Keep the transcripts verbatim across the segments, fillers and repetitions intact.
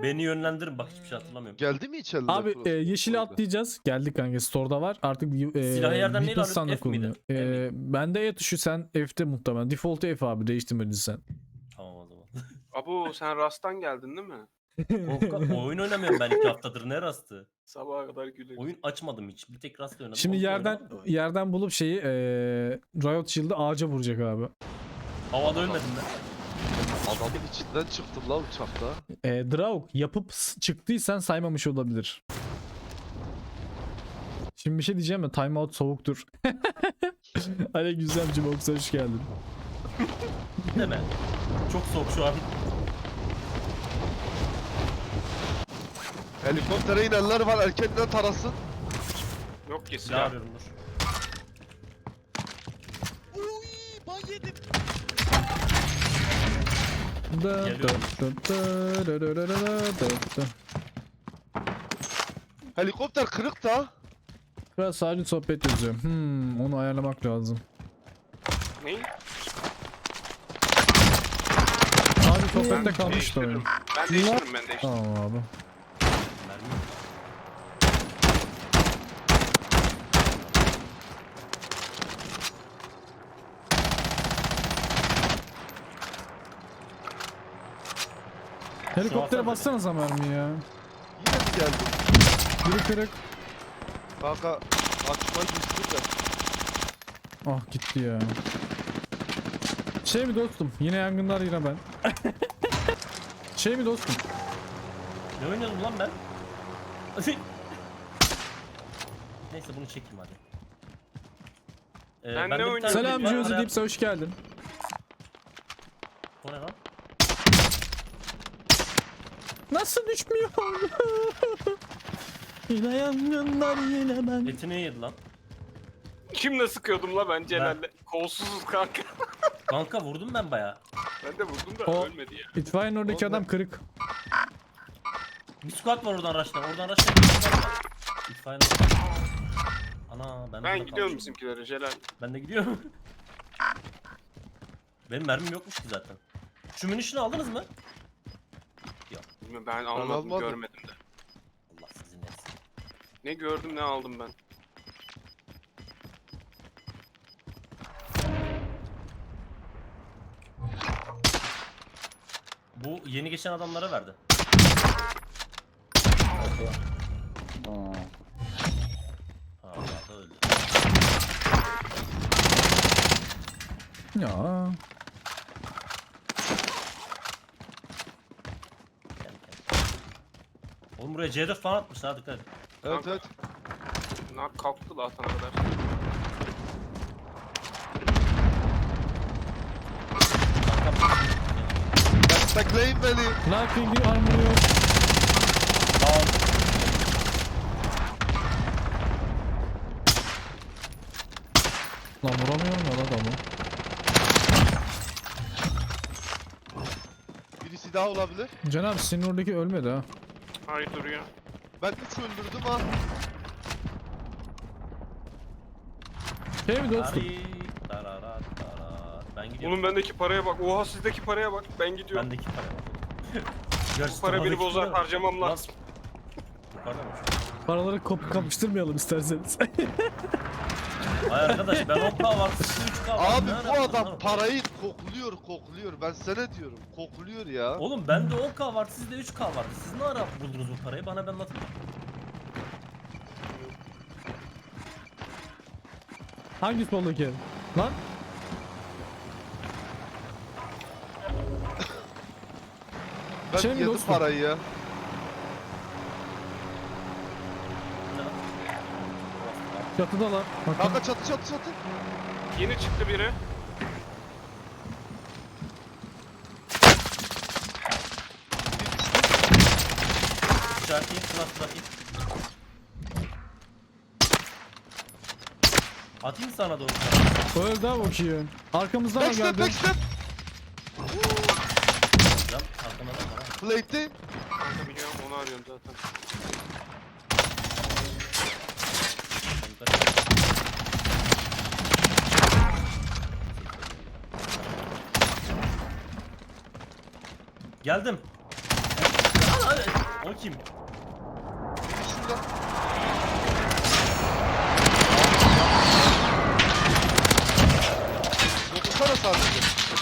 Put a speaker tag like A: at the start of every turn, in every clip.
A: Beni yönlendirin bak, hiçbir şey hatırlamıyorum.
B: Geldi mi içeride?
C: Abi e, yeşili atlayacağız. Geldik kanka, store'da var. Artık e,
A: Silahı yerden neyle
C: weapon
A: alıyorsun?
C: standı
A: F miydi?
C: kullanıyor.
A: F
C: E,
A: miydi?
C: bende E tuşu, sen F'te muhtemelen. Default'u F abi, değiştirmedin sen.
A: Tamam o zaman.
D: Abu sen Rast'tan geldin değil mi?
A: O, oyun oynamıyorum ben iki haftadır, ne rastı?
D: Sabaha kadar güleriz.
A: Oyun açmadım hiç. Bir tek rast oynadım.
C: Şimdi
A: onu da
C: yerden
A: oynamadım.
C: yerden bulup şeyi e, Riot Shield'ı ağaca vuracak abi.
A: Havada ölmedim ben.
B: Adamın içinden çıktım la uçakta.
C: E, Draug yapıp s- çıktıysan saymamış olabilir. Şimdi bir şey diyeceğim ya, timeout soğuktur. Aleykümselam Cimox, hoş geldin.
A: Deme. Çok soğuk şu an.
B: Helikoptere inenler var, erkenden tarasın.
D: Yok ki
A: Silah
D: silah.
A: arıyorum dur.
E: Uy, ban yedim.
C: Da, da,
A: Geliyorum.
C: da, da, da, da, da, da, da.
B: Helikopter kırık da.
C: Biraz sadece sohbet yazıyor. Hmm, onu ayarlamak lazım.
D: Ne?
C: Sadece sohbette
D: Ben
C: kalmıştı oyun.
D: değiştiririm. Ben değiştiririm ben değiştiririm.
C: Tamam abi.
A: Mermi.
C: Helikoptere
A: alsana
C: bassanıza mermi ya.
B: Yine mi geldi?
C: Biri kırık.
B: Kanka açma gizli de.
C: Ah gitti ya. Şey mi dostum? Yine yangınlar, yine ben. Şey mi dostum?
A: Ne oynuyordum lan ben? Neyse bunu çekeyim hadi. Ee,
D: Ben
A: bende
D: ne
A: bir
D: oynuyorum?
A: tane
C: Selam
A: var,
C: Jozi
A: araya-
C: Dips'e hoş geldin.
A: O ne lan?
C: Nasıl düşmüyor? Yine yangınlar, yine ben.
A: Etini yedi lan.
D: Kimle sıkıyordum la ben Celal'le? Kolsuzuz kanka.
A: Kanka vurdum ben baya.
D: Ben de vurdum da
C: O-
D: ölmedi ya.
C: İtfaiyenin oradaki
B: Oğlum ben-
C: adam kırık.
A: Bir squad var oradan rush'tan. Oradan rush'tan bir squad var. İtfaiyenin. Ana ben
D: Ben
A: burada
D: gidiyorum
A: kalmışım.
D: bizimkilere Celal.
A: Ben de gidiyorum. Benim mermim yokmuş ki zaten. Şu munition'ı aldınız mı? Yok.
D: Bilmiyorum, Ben almadım
B: almadım.
D: görmedim de.
A: Allah sizin etsin.
D: Ne gördüm ne aldım ben.
A: Bu yeni geçen adamlara verdi. Ha, da öldü.
C: Ya.
A: Gel, gel. Oğlum buraya C dört falan atmış, ha dikkat et.
B: Evet
D: Kanka.
B: evet.
D: Bunlar kalktı la atana kadar.
B: Destekleyin beni.
C: Knifing'i armor yok. Lan vuramıyorum ya adamı.
B: Birisi daha olabilir.
C: Can abi senin oradaki ölmedi ha.
D: Hayır duruyor.
B: Ben üç öldürdüm ha.
C: Şey mi dostum?
A: Tari, tararat, tarat. Ben gidiyorum.
D: Oğlum bendeki paraya bak. Oha sizdeki paraya bak. Ben gidiyorum.
A: Bendeki para var.
D: Bu para beni bozar harcamam lazım.
A: Yukarıda mı?
C: Paraları kop kapıştırmayalım isterseniz.
A: Ay arkadaş ben on K var, siz üç K var.
B: Abi
A: Ne
B: bu
A: arıyorsunuz
B: adam
A: lan?
B: parayı kokluyor kokluyor. Ben sana diyorum kokluyor ya.
A: Oğlum bende on K var, sizde üç K vardı. Siz ne ara buldunuz bu parayı? Bana bir anlatın.
C: Hangi soldaki? Lan?
B: Ben
C: şey mi
B: yedim
C: dostum?
B: parayı ya.
C: Çatıdalar. Bakın.
B: Kanka çatı çatı çatı.
D: Yeni çıktı biri.
A: İşaretleyin, sınav bırakayım. Atayım sana doğru.
C: Öyle daha bakıyor. Arkamızdan mı
B: Backstep
C: geldi?
B: backstep.
A: Can arkamda da var ha.
B: Plate'de.
D: Kanka biliyorum onu arıyorum zaten.
A: Geldim. Hadi. O kim?
B: Şurada. Dokunsana sadece.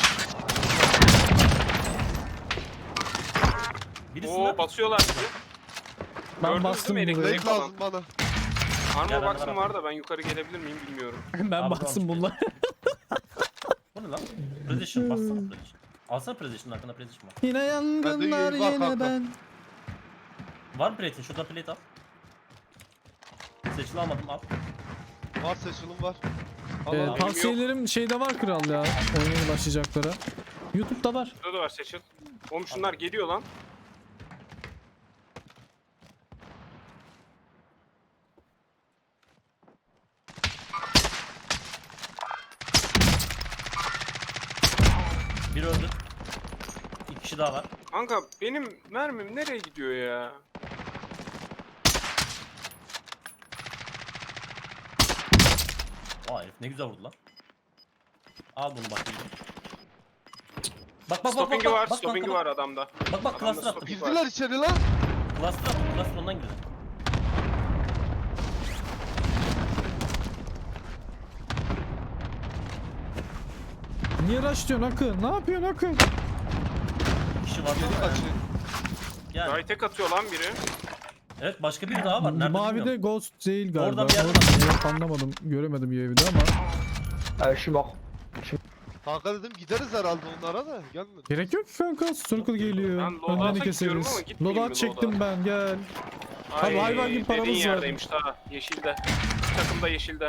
A: Birisi
D: Oo
A: lan.
D: basıyorlar bizi.
C: Ben
D: Gördünüz
C: bastım
D: değil mi?
C: bunları.
D: Elektrik
B: Renk
D: falan.
B: lazım bana.
D: Armor
A: Gel, ben
D: box'ım
A: de
D: var da ben yukarı gelebilir miyim bilmiyorum.
C: Ben
A: Abi,
C: bastım
A: tamam,
C: bunları.
A: Bu ne lan? Precision bassana Precision. Alsana Precision'ın hakkında Precision var.
C: Yine yangınlar
B: yürü, bak,
C: yine
B: bak, bak.
C: ben.
A: Var mı plate'in? Şurada plate al. Seçili almadım al.
B: Var seçilim var. Al
C: Ee,
B: al.
D: benim
C: tavsiyelerim şeyde var kral ya. Oynamaya başlayacaklara. YouTube'da var.
D: Şurada da var seçil. Oğlum şunlar geliyor lan.
A: Bir öldü. İki kişi daha var.
D: Kanka benim mermim nereye gidiyor ya?
A: Aa herif ne güzel vurdu lan. Al bunu bak. Bak bak bak bak
D: Stopping'i
A: bak
D: var,
A: bak
D: stopping'i
A: bak
D: var adamda.
A: bak bak
D: Adamda
A: cluster attım.
D: stopping
B: Girdiler içeri lan.
A: Cluster attım. Cluster ondan girdi.
C: Niye rush diyorsun Akın? Ne yapıyorsun Akın?
A: Bir kişi var.
B: Geri kaçıyor.
A: Gel.
D: Gayet tek atıyor lan biri.
A: Evet başka biri daha var. Nerede
C: Mavide
A: bilmiyorum.
C: Ghost değil galiba.
A: Orada bir yerde
C: Orada yok, anlamadım. Göremedim U A V'de ama.
F: Euh, je suis mort.
B: Kanka dedim gideriz herhalde onlara da gelmedi.
C: Gerek yok ki kanka. Circle geliyor.
D: Ben loadout'a
C: Önlerini
D: gidiyorum
C: keseriz.
D: ama gitmeyeyim
C: Loadout
D: mi
C: çektim
D: loadout'a?
C: ben gel. Abi hayvan gibi paramız
D: dediğin
C: var.
D: yerdeymiş daha. Yeşilde. Bir takımda yeşilde.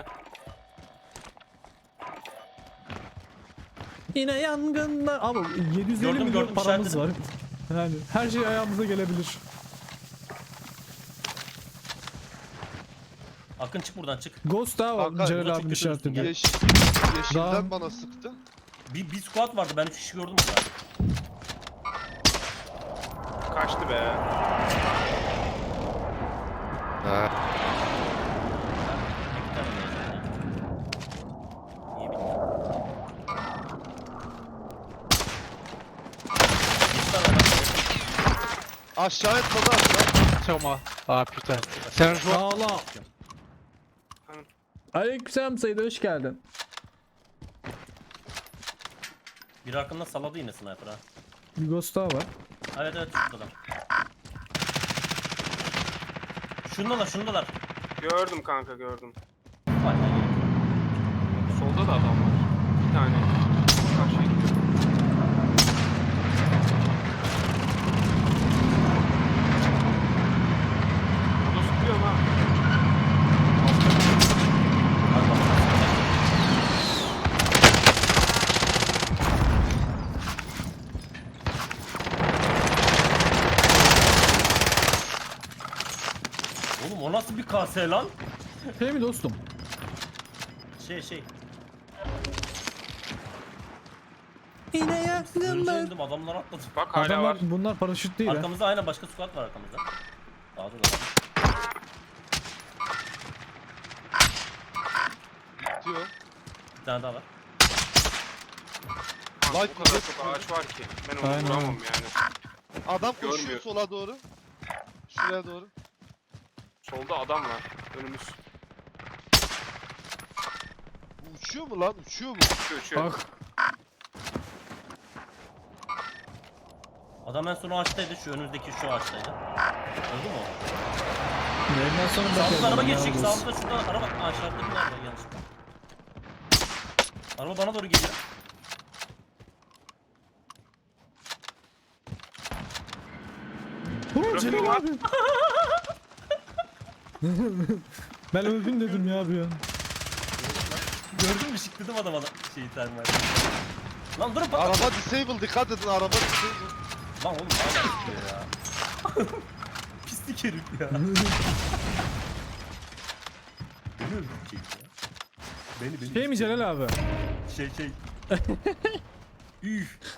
C: Yine yangınlar. Ama yedi yüz elli
A: Gördüm,
C: milyon
A: gördüm,
C: paramız var.
A: işaretledim.
C: Yani her şey ayağımıza gelebilir.
A: Akın çık buradan çık.
C: Ghost daha var.
B: Kanka,
C: Celal
A: burada
C: abinin
A: çok kötü
C: işaretledi.
A: üstün.
B: Yeş yeşilden
C: Daha-
B: bana sıktı.
A: Bir, bir squad vardı. Ben üç kişi gördüm burada.
D: Kaçtı be.
A: İki tane mezun. İyi bildim. Bir tane var.
B: Aşağı etmedi aşağı.
F: Sur moi. Ah putain. C'est un joueur.
C: Ağla. Aleykümselam Said, hoş geldin.
A: Bir hakkında saladı yine sniper ha.
C: Bir Ghost daha var.
A: Evet evet şuradalar. Şundalar şundalar.
D: Gördüm kanka gördüm.
A: Vay be.
D: Solda da adam var. Bir tane. Karşıya gidiyor. Burada sıkıyor ha.
A: Oğlum o nasıl bir K S lan?
C: Şey mi dostum?
A: Şey şey.
C: Yine
A: Sığırca indim adamlar atladı.
D: Bak hala
C: Adamlar,
D: var.
C: bunlar paraşüt değil ha.
A: Arkamızda aynen başka squad var arkamızda. Daha da var.
B: Diyor.
A: Bir tane daha var.
D: Kanka,
B: Light
D: bu kadar
B: bize
D: çok ağaç var ki. Ben onu
C: Aynen.
D: vuramam yani.
B: Adam koşuyor
D: Görmüyor.
B: sola doğru. Şuraya doğru.
D: Solda adam var. Önümüz.
B: Bu uçuyor mu lan? Uçuyor mu?
D: Uçuyor uçuyor.
C: Bak.
A: Adam en son o ağaçtaydı. Şu önümüzdeki şu ağaçtaydı. Öldü mü o?
C: Yayından sonra
A: Sağımızda
C: bakalım.
A: araba
C: ne
A: geçecek.
C: yapıyoruz.
A: Sağımızda şurada araba. Aa şartlı bir nerede yanlışlıkla. Araba bana doğru geliyor.
C: Ulan
D: Bırakın
C: Celal
D: lan.
C: abi. Ben öldüm dedim ya bir an.
A: Gördün mü şıkladım adama da şeyi termal. Lan durun bak.
B: Araba disable, dikkat edin araba disable.
A: Lan oğlum hala çıkıyor ya. Pislik herif ya. Beni öldürecek ya. Beni beni.
C: Şey mi Celal abi?
A: Şey şey. Üf.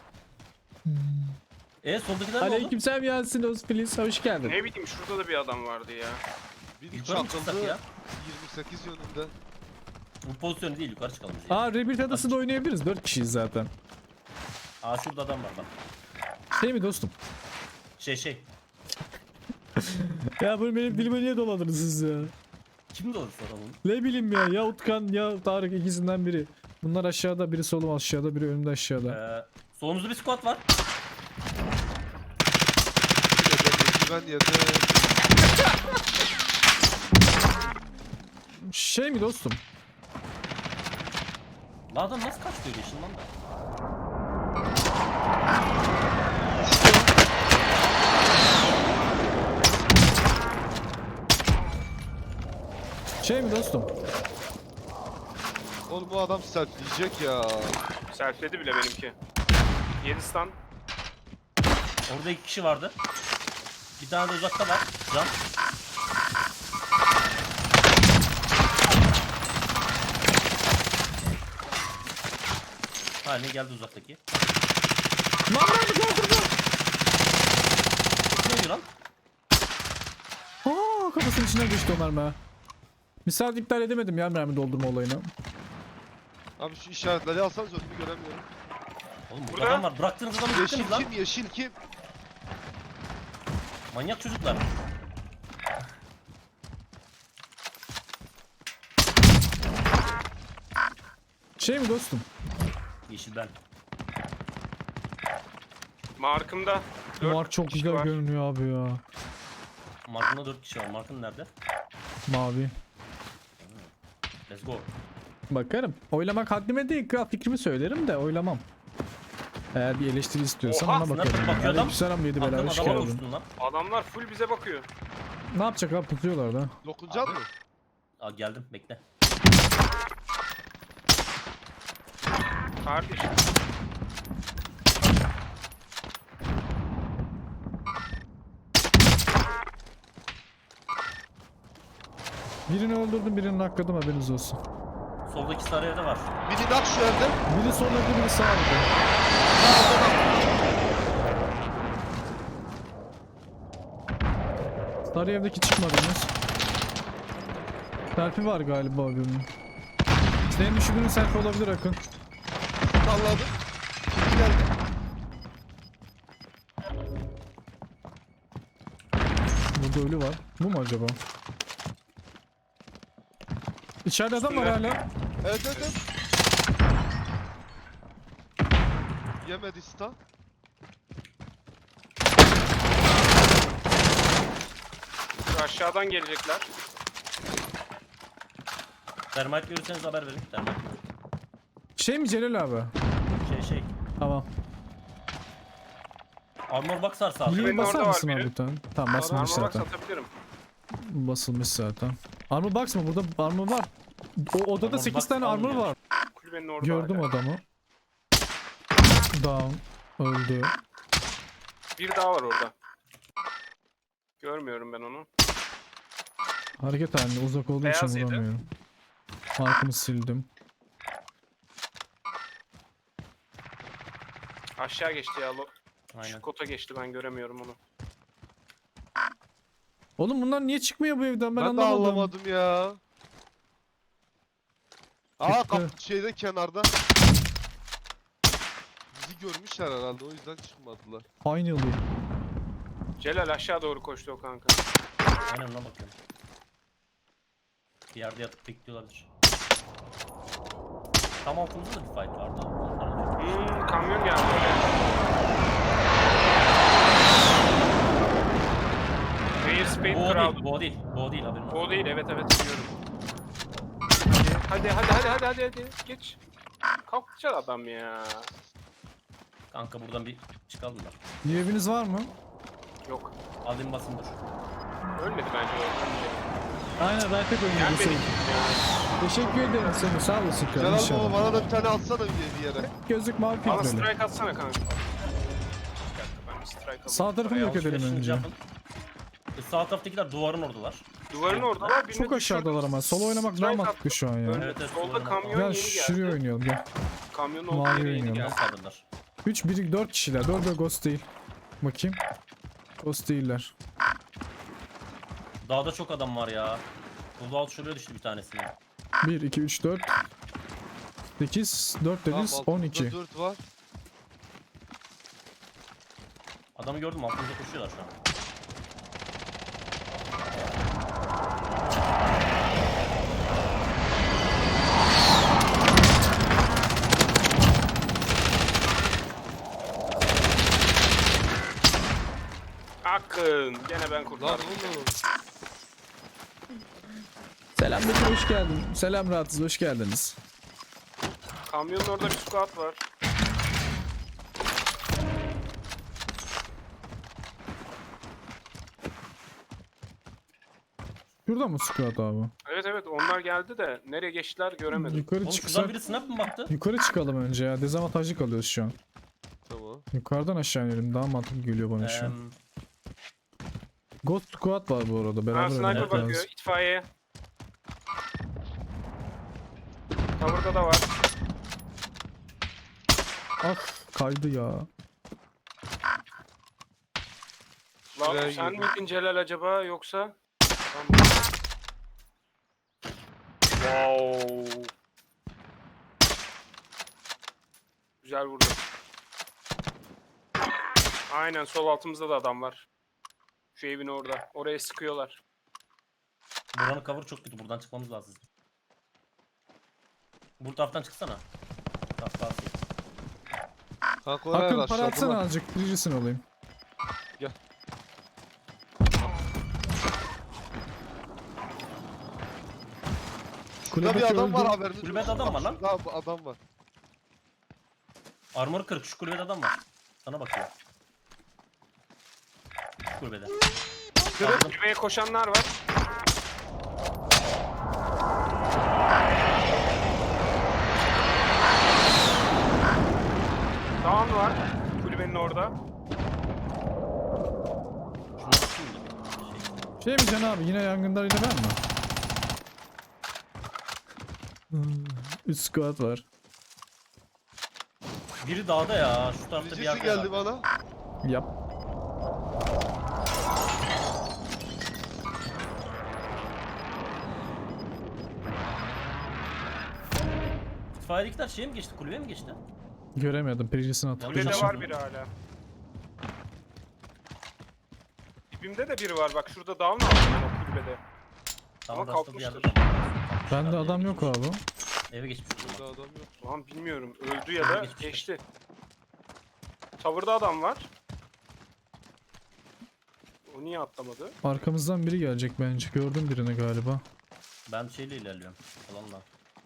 A: E soldakiler ne oldu?
C: Aleykümselam Yasin Özfiliz, hoş geldin.
D: Ne bileyim şurada da bir adam vardı ya.
B: Bir
A: Yukarı mı çıksak
B: çakıldı
A: ya?
B: yirmi sekiz yönünde.
A: Bu pozisyon değil yukarı çıkalım. biz ya.
C: Aa Rebirth adasında oynayabiliriz, dört kişiyiz zaten.
A: Aa şurada adam var bak.
C: Şey mi dostum?
A: Şey şey.
C: Ya bunu benim dilime niye doladınız siz ya?
A: Kim de olursa adamın.
C: Ne bileyim ya, ya Utkan ya Tarık, ikisinden biri. Bunlar aşağıda, biri solum aşağıda, biri önümde aşağıda.
A: Ee, solumuzda bir squad var.
B: Ben yedim.
C: Şey mi dostum?
A: Lan adam nasıl kaçtı öyle işinden de?
C: Şey mi dostum?
B: Oğlum bu adam sertleyecek ya.
D: Selfledi bile benimki. yedi stun.
A: Orada iki kişi vardı. Bir tane de uzakta var. Can. Ha ne geldi uzaktaki?
C: Lan ben bir doldurdum.
A: Ne oluyor lan?
C: Aa, kafasının içinden geçti o mermi ha. Misal iptal edemedim ya mermi doldurma olayını.
B: Abi şu işaretleri alsanız önümü göremiyorum.
A: Oğlum burada
D: Burada.
A: adam var. Bıraktığınız adamı
B: Yeşil
A: gittiniz lan.
B: kim? Yeşil kim?
A: Manyak çocuklar.
C: Şey mi dostum?
A: Yeşil ben.
D: Markımda. dört
C: Mark çok
D: kişi
C: güzel
D: var.
C: görünüyor abi ya.
A: Mark'ında dört kişi var. Mark'ın nerede?
C: Mavi.
A: Let's go.
C: Bakarım. Oylamak haddime değil, kral fikrimi söylerim de oylamam. Eğer bir eleştiri istiyorsan
D: Oha,
C: ona bakarım.
A: sniper bakıyor adam.
C: Aleykümselam yedi
A: Aklım
C: bela, hoş
A: adama
C: geldin.
A: uçtun lan.
D: Adamlar full bize bakıyor.
C: Ne yapacak abi, tutuyorlar da.
B: Dokunacak mı?
A: Aa geldim bekle.
D: Kardeş.
C: Birini öldürdüm, birini nakladım, haberiniz olsun.
A: Soldaki sarı evde var.
B: Biri nak şu evde.
C: Biri soldaki, biri sağda. Sarı evdeki çıkmadınız. Selfie var galiba birinin. Senin düşürdüğün selfie olabilir Akın.
B: Salladım. Kim geldi?
C: Burada ölü var. Bu mu acaba? İçeride adam var hala.
B: Evet evet evet. Yemedi sta.
D: Şu aşağıdan gelecekler.
A: Termite görürseniz haber verin. Termite.
C: Şey mi Celal abi?
A: Şey şey.
C: Tamam.
A: Armor box varsa abi.
C: Bileği
D: benim
C: basar
D: orada var
C: mısın abi
D: biri.
C: bir tane? Tamam, basmamış
D: Armor box
C: zaten.
D: atabilirim.
C: Basılmış zaten. Armor box mı? Burada armor var. O odada
A: Armor
C: sekiz
A: box
C: tane armor
A: almıyor.
C: var.
D: Kulübenin orada.
C: Gördüm
D: hala.
C: adamı. Down. Öldü.
D: Bir daha var orada. Görmüyorum ben onu.
C: Hareket halinde uzak olduğu
D: Beyaz
C: için
D: yedi.
C: vuramıyorum. Markımı sildim.
D: Aşağı geçti ya. lo-
A: Aynen.
D: Şu kota geçti, ben göremiyorum onu.
C: Oğlum bunlar niye çıkmıyor bu evden, ben,
B: Ben, de
C: anlamadım.
B: anlamadım ya. Aa
C: Çıktı.
B: kap şeyde kenarda. Bizi görmüşler herhalde, o yüzden çıkmadılar.
C: Aynı oluyor.
D: Celal aşağı doğru koştu o kanka.
A: Aynen ona bakıyorum. Bir yerde yatıp bekliyorlardır. Tam altımızda da bir fight vardı. Onlara diyorum.
D: Hmm, kamyon geldi oraya. Air Spade
A: Bu o
D: Crowd.
A: değil, bu o değil. Bu o değil haberin olsun.
D: O değil, evet evet biliyorum. Hadi hadi hadi hadi hadi hadi geç. Kalkacak adam ya.
A: Kanka buradan bir çıkalım da.
C: Bir eviniz var mı?
D: Yok.
A: Alayım basın dur.
D: Ölmedi bence o.
C: Aynen, ben tek oynuyorum.
D: Gelmedi.
C: Teşekkür ederim seni, sağ olasın kral.
B: Celal baba
C: İnşallah.
B: bana da bir tane atsana bir bir yere.
C: Gözlük mavi
D: Bana
C: filtreli.
D: strike atsana kanka. Bir dakika, ben bir strike alayım.
C: Sağ tarafını yok edelim
A: Alışverişinizi
C: önce.
A: yapın. E, sağ taraftakiler duvarın oradalar.
D: Duvarın oradalar. birini
C: Çok aşağıdalar ama. Solo oynamak daha
D: Strike
C: mantıklı şu an ya.
D: attım.
A: Evet, evet,
D: Solda
A: duvarın
D: kamyon
C: Gel
D: yeni
C: şuraya
D: geldi.
C: oynayalım gel.
D: Kamyonun olduğu
C: Mavi
D: yere yeni
C: oynuyorum.
D: geldi.
A: Nasıl kaldırdılar?
C: üç, bir, dört kişiler. dört de ghost değil. Bakayım. Ghost değiller.
A: Dağda çok adam var ya. Bu alt şuraya düştü bir tanesini.
C: bir, iki, üç, dört. sekiz, dört dediniz,
B: Tamam,
C: on
B: altımızda
C: iki.
B: dört var.
A: Adamı gördüm altımızda koşuyorlar şu an.
D: Bakın gene ben
B: Lan
D: kurtardım.
B: oğlum.
C: Selam Metin, hoş geldin. Selam Rahatsız, hoş geldiniz.
D: Kamyonun orada bir squat var.
C: Şurada mı squat abi?
D: Evet evet onlar geldi de nereye geçtiler göremedim.
C: Yukarı
A: Oğlum şuradan
C: çıksak.
A: biri snap mı baktı?
C: Yukarı çıkalım önce ya. Dezavantajlı kalıyoruz şu an.
B: Tamam.
C: Yukarıdan aşağı inelim. Daha mantıklı geliyor bana şu an.
A: Eee,
C: Ghost squat var bu arada.
D: Ha
C: Beraber
D: sniper
C: oynamak
D: bakıyor
C: lazım.
D: itfaiye. Cover'da da var.
C: Ah kaydı ya.
D: Lan
B: Şuraya
D: sen
B: girdim.
D: miydin Celal acaba yoksa? Tamam. Wow. Güzel vurdu. Aynen sol altımızda da adam var. Şu evin orada. Oraya sıkıyorlar.
A: buranın cover çok kötü. Buradan çıkmamız lazım. Bu taraftan çıksana. Taraf daha safe.
B: Kanka oraya
C: Akın
B: da
C: para atsana
B: aşağıda.
C: azıcık. Birincisin olayım.
B: Gel. Şurada bir
C: Kulübedeki
B: adam var
C: öldü.
B: haberiniz
A: Kulübede
B: olsun.
A: adam var lan.
B: Şurada adam var.
A: Armor kırık. Şu kulübede adam var. Sana bakıyor. Şu kulübede. Aldım.
D: Kulübeye koşanlar var. Dağın var. Kulübenin orada.
A: Şuna bakayım da bir şey.
C: Şey mi Can abi, yine yangınlar yine ben mi? Hmm, üç squat var.
A: Biri dağda ya. Şu tarafta bir
B: Birisi
A: yerde
B: geldi
A: var.
B: bana.
C: Yap.
A: İtfaiyedekiler şeye mi geçti? Kulübeye mi geçti?
C: Göremedim. Birincisini
A: Kulübede
C: hatırlayacağım.
D: Kulübede
A: Kulübede
D: var biri hala. Dibimde de biri var. Bak şurada dağın altında o kulübede.
A: Tamam,
D: Ama
A: rastlı bir yerde
D: kalkmıştır.
A: adam var.
C: Bende adam yok abi.
A: Eve geçmiş o zaman.
B: Burada adam yok.
D: Lan bilmiyorum. Öldü ya da
A: Geçmiştir.
D: geçti. Tavırda adam var. O niye atlamadı?
C: Arkamızdan biri gelecek bence. Gördüm birini galiba.
A: Ben şeyle ilerliyorum. Alanla.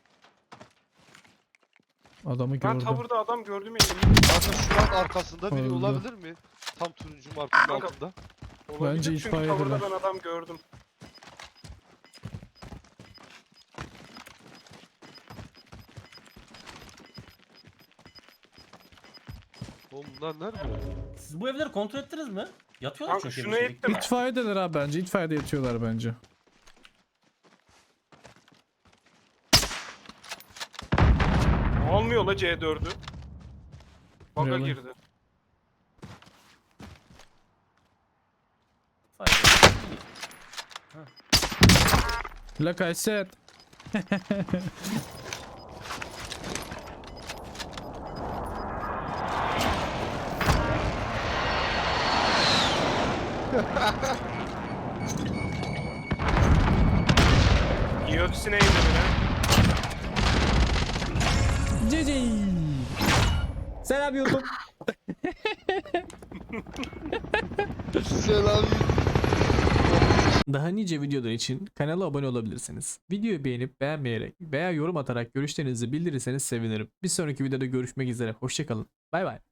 C: Adamı
D: Ben
C: gördüm.
D: tavırda adam gördüm ya. eminim.
B: Kanka şuranın arkasında biri
C: Öldü.
B: olabilir mi? Tam turuncu markanın
D: Kanka.
B: altında.
D: Olabilir
C: Bence
D: çünkü
C: itfaiyedeler.
D: tavırda ben adam gördüm.
B: Oğlum bunlar nerede?
A: Siz bu evleri kontrol ettiniz mi? Yatıyorlar
D: Kanka
A: çünkü
D: şunu
A: evin içinde.
D: ettim.
C: İtfaiyedeler abi bence. İtfaiyede yatıyorlar bence.
D: Almıyor la C dördü. Baga
C: Really?
D: girdi.
A: İtfaiye.
C: Like I said.
D: Yöksine indi bile.
C: Cici. Selam YouTube.
B: Selam.
C: Daha nice videolar için kanala abone olabilirsiniz. Videoyu beğenip beğenmeyerek veya yorum atarak görüşlerinizi bildirirseniz sevinirim. Bir sonraki videoda görüşmek üzere. Hoşçakalın. Bay bay.